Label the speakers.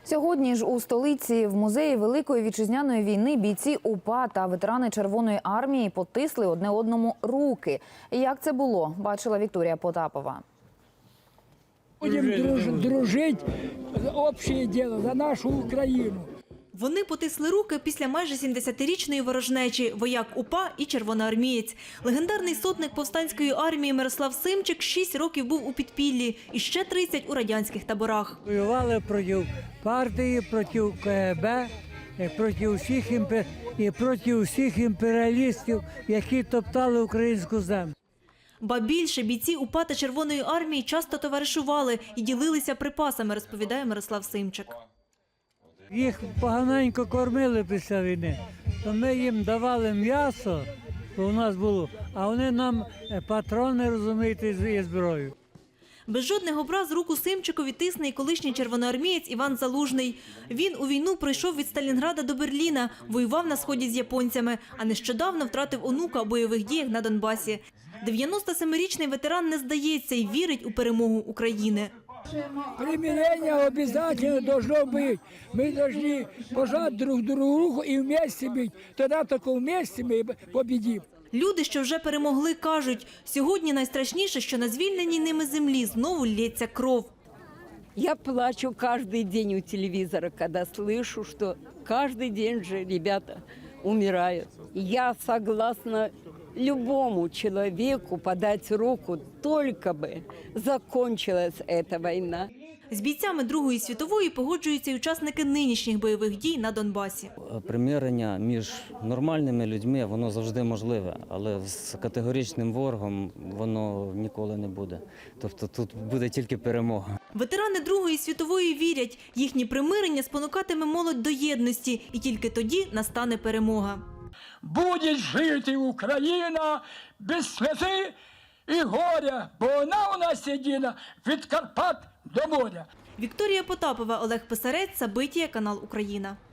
Speaker 1: Сьогодні ж у столиці в музеї Великої вітчизняної війни бійці УПА та ветерани Червоної армії потисли одне одному руки. Як це було, бачила Вікторія Потапова.
Speaker 2: Будемо дружити, общее діло, за нашу Україну.
Speaker 3: Вони потисли руки після майже 70-річної ворожнечі – вояк УПА і червоноармієць. Легендарний сотник повстанської армії Мирослав Симчик 6 років був у підпіллі і ще 30 у радянських таборах.
Speaker 4: Воювали проти партії, проти КГБ, проти всіх імперіалістів, які топтали українську землю.
Speaker 3: Ба більше, бійці УПА та Червоної армії часто товаришували і ділилися припасами, розповідає Мирослав Симчик.
Speaker 4: Їх поганенько кормили після війни, то ми їм давали м'ясо, що у нас було, а вони нам патрони, розумієте, і зброю.
Speaker 3: Без жодних образ руку Симчикові тисне і колишній червоноармієць Іван Залужний. Він у війну пройшов від Сталінграда до Берліна, воював на сході з японцями, а нещодавно втратив онука у бойових діях на Донбасі. 97-річний ветеран не здається і вірить у перемогу України.
Speaker 2: Примирение обязательно должно быть. Мы должны пожать друг другу руку и вместе быть. Тогда только вместе мы победим.
Speaker 3: Люди, що вже перемогли, кажуть, сьогодні найстрашніше, що на звільненій ними землі знову лється кров.
Speaker 5: Я плачу каждый день у телевизора, когда слышу, что каждый день же ребята умирают. Я согласна любому человеку подать руку, только бы закончилась эта война.
Speaker 3: З бійцями Другої світової погоджуються й учасники нинішніх бойових дій на Донбасі.
Speaker 6: Примирення між нормальними людьми, воно завжди можливе, але з категоричним ворогом воно ніколи не буде. Тобто тут буде тільки перемога.
Speaker 3: Ветерани Другої світової вірять, їхнє примирення спонукатиме молодь до єдності, і тільки тоді настане перемога.
Speaker 2: Буде жити Україна без сльози і горя, бо вона у нас єдина від Карпат до моря.
Speaker 3: Вікторія Потапова, Олег Писарець, Сабитія, канал Україна.